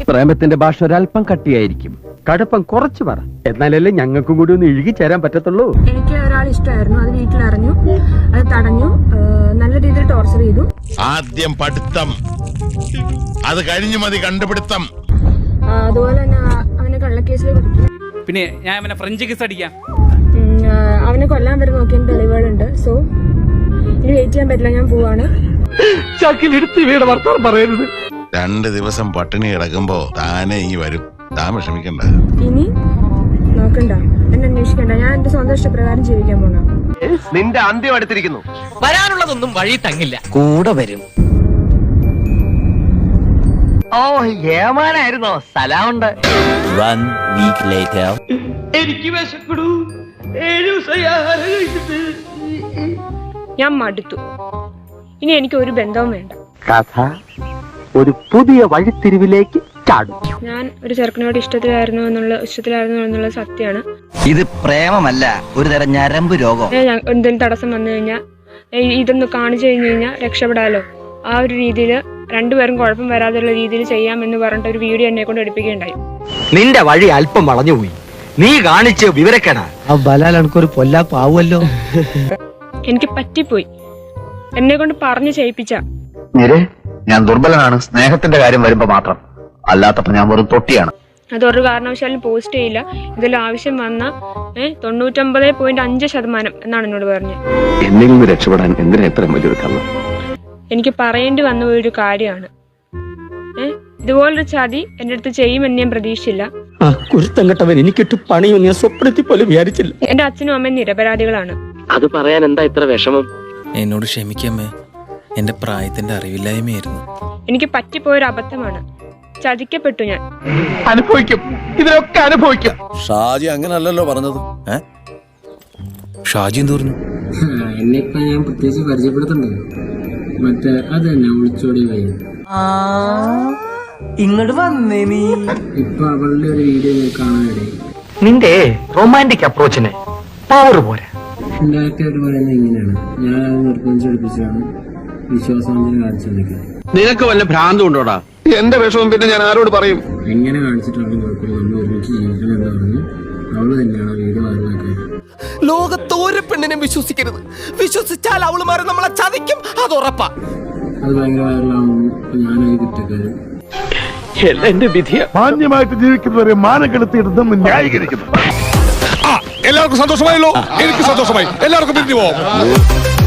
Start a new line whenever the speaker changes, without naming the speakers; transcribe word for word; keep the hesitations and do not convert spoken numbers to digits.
പ്രേമത്തിന്റെ ഭാഷ ഒരല്പം കട്ടിയായിരിക്കും, കടുപ്പം കുറച്ച് പറ, എന്നാലല്ലേ ഞങ്ങൾക്കും കൂടി ഒന്ന് ഇഴുകി ചേരാൻ പറ്റത്തുള്ളൂ.
എനിക്ക് ഒരാൾ ഇഷ്ടമായിരുന്നു, അത് വീട്ടിലറിഞ്ഞു, അത് തടഞ്ഞു, നല്ല രീതിയിൽ ടോർച്ചർ ചെയ്തു.
ആദ്യം പഠിത്തം, അത് കഴിഞ്ഞു മതി കണ്ടുപിടുത്തം.
അതുപോലെ തന്നെ അവനെ കള്ളക്കേസിൽ പിടിക്കും.
പിന്നെ ഞാൻ അവനെ ഫ്രഞ്ച് കിസ് അടിക്കാം.
അവനെ കൊല്ലാൻ വരെ നോക്കിയ തെളിവുകളുണ്ട്. സോ ഇനി വെയിറ്റ് ചെയ്യാൻ പറ്റില്ല, ഞാൻ പോവാണ്.
പറയരുത്.
രണ്ട് ദിവസം പട്ടിണി കിടക്കുമ്പോ താനെ ഈ വരും, താൻ വിഷമിക്കണ്ട.
ഇനി നോക്കണ്ട, എന്നെ അന്വേഷിക്കണ്ട, ഞാൻ എന്റെ സ്വന്തം ഇഷ്ടപ്രകാരം ജീവിക്കാൻ പോണ.
നിന്റെ അന്ത്യം അടുത്തിരിക്കുന്നു.
വരാനുള്ളതൊന്നും വഴി തങ്ങില്ല,
കൂടെ വരും.
ഓ ഏമാനായിരുന്നോ? സ്ഥലമുണ്ട്.
എനിക്ക് വിശക്കടൂ, ഏഴു ദിവസം
ഞാൻ മടുത്തു. ഇനി എനിക്ക് ഒരു ബന്ധവും വേണ്ട.
കഥ ഒരു പുതിയ വഴിത്തിരിവിലേക്ക് ചാടും.
ഞാൻ ഒരു ചെറുക്കനോട് ഇഷ്ടത്തിലായിരുന്നു എന്നുള്ള ഇഷ്ടത്തിലായിരുന്നു എന്നുള്ള സത്യമാണ്.
ഇത് പ്രേമമല്ല, ഒരു തരം ഞരമ്പ് രോഗം.
എന്തെങ്കിലും തടസ്സം വന്നു കഴിഞ്ഞാൽ ഇതൊന്ന് കാണിച്ചു കഴിഞ്ഞു കഴിഞ്ഞാൽ രക്ഷപ്പെടാലോ, ആ ഒരു രീതിയിൽ രണ്ടുപേരും കുഴപ്പം വരാതെയുള്ള രീതിയിൽ ചെയ്യാമെന്ന് പറഞ്ഞിട്ട് ഒരു വീഡിയോ എന്നെ കൊണ്ട് എടുപ്പിക്കുകയുണ്ടായി.
നിന്റെ വഴി അല്പം വളഞ്ഞുപോയി, നീ കാണിച്ച് വിവരക്കേടാ.
ആ ബലാൽ എനിക്കൊരു പൊല്ലാപ്പാവുമല്ലോ.
എനിക്ക് പറ്റിപ്പോയി, എന്നെ കൊണ്ട് പറഞ്ഞു ചെയ്യിപ്പിച്ച.
ഞാൻ ദുർബലനാണ് സ്നേഹത്തിന്റെ കാര്യം വരുമ്പോ മാത്രം, അല്ലാത്തപ്പോ ഞാൻ വെറും തൊട്ടിയാണ്.
അതൊരു കാരണവശാലും പോസ്റ്റ് ചെയ്യില്ല. ഇതിൽ ആവശ്യം വന്ന ഏഹ് തൊണ്ണൂറ്റൊമ്പത് പോയിന്റ് അഞ്ച് ശതമാനം എന്നാണ് എന്നോട് പറഞ്ഞത്.
എന്നിൽ നിന്ന് രക്ഷപ്പെടാൻ എന്തിനാ എത്ര വലിയൊരു കള്ളം?
എനിക്ക് പറയേണ്ടി വന്ന ഒരു കാര്യമാണ്. ഏഹ് ഇതുപോലൊരു ചതി എന്റെ അടുത്ത് ചെയ്യുമെന്ന് ഞാൻ പ്രതീക്ഷിച്ചില്ല.
കുരുത്തങ്കട്ടവൻ എനിക്കിട്ട് പണിയൊന്നും ഞാൻ സ്വപ്നത്തിൽ പോലും വിചാരിച്ചില്ല.
എന്റെ അച്ഛനും അമ്മയും നിരപരാധികളാണ്.
അത് പറയാൻ എന്താ ഇത്ര വിഷമം?
എന്നോട് ക്ഷമിക്കമ്മേ, എന്റെ പ്രായത്തിന്റെ അറിവില്ലായ്മയായിരുന്നു.
എനിക്ക് പറ്റിപ്പോയൊരു അബദ്ധമാണ്, ചതിക്കപ്പെട്ടു ഞാൻ.
അനുഭവിക്കും, ഇതിലൊക്കെ അനുഭവിക്കും.
ഷാജി അങ്ങനല്ലല്ലോ പറഞ്ഞത്. ഷാജി എന്ത് പറഞ്ഞു?
എന്നെയിപ്പോ ഞാൻ പ്രത്യേകിച്ച് പരിചയപ്പെടുത്തണ്ടോ? മറ്റേ അത് തന്നെ ഒളിച്ചോടി വയ്യ.
ഇങ്ങോട്ട് വന്നേ നീ.
ഇപ്പൊ അവളുടെ ഒരു വീഡിയോ കാണാനിടയിൽ
നിന്റെ റൊമാൻറ്റിക് അപ്രോച്ചിന് പവർ പോരാ.
എന്റെ ആൾക്കാർ പറയുന്നത് ഇങ്ങനെയാണ്, ഞാൻ അത് നിർബന്ധിച്ചെടുപ്പിച്ചാണ് വിശ്വാസവഞ്ചന കാണിച്ചത്.
നിനക്ക് വല്ല ഭ്രാന്തും ഉണ്ടോടാ?
എന്റെ വിഷമം പിന്നെ ഞാൻ ആരോട് പറയും?
എങ്ങനെ കാണിച്ചിട്ടാണ് നോക്കുന്നത്, നമ്മൾ ഒരുമിച്ച് ജീവിക്കണം എന്ന് പറഞ്ഞു അവള് തന്നെയാണ് വീഡിയോ വൈറലാക്കിയത്.
ലോകത്ത് ഒരു പെണ്ണിനെ വിശ്വസിക്കരുത്, വിശ്വസിച്ചാൽ അവളുമാരെ നമ്മളെ ചതിക്കും, അത് ഉറപ്പാ.
അത് ഭയങ്കര വൈറലാവുന്നു. ഞാനത് കുറ്റക്കാരൻ.
എന്റെ വിധിയ
മാന്യമായിട്ട് ജീവിക്കുന്നവരെ മാനക്കെടുത്തിയിടുന്നു ന്യായീകരിക്കുന്നു.
എല്ലാവർക്കും സന്തോഷമായല്ലോ, എനിക്ക് സന്തോഷമായി. എല്ലാവർക്കും പിരിഞ്ഞു പോവാം.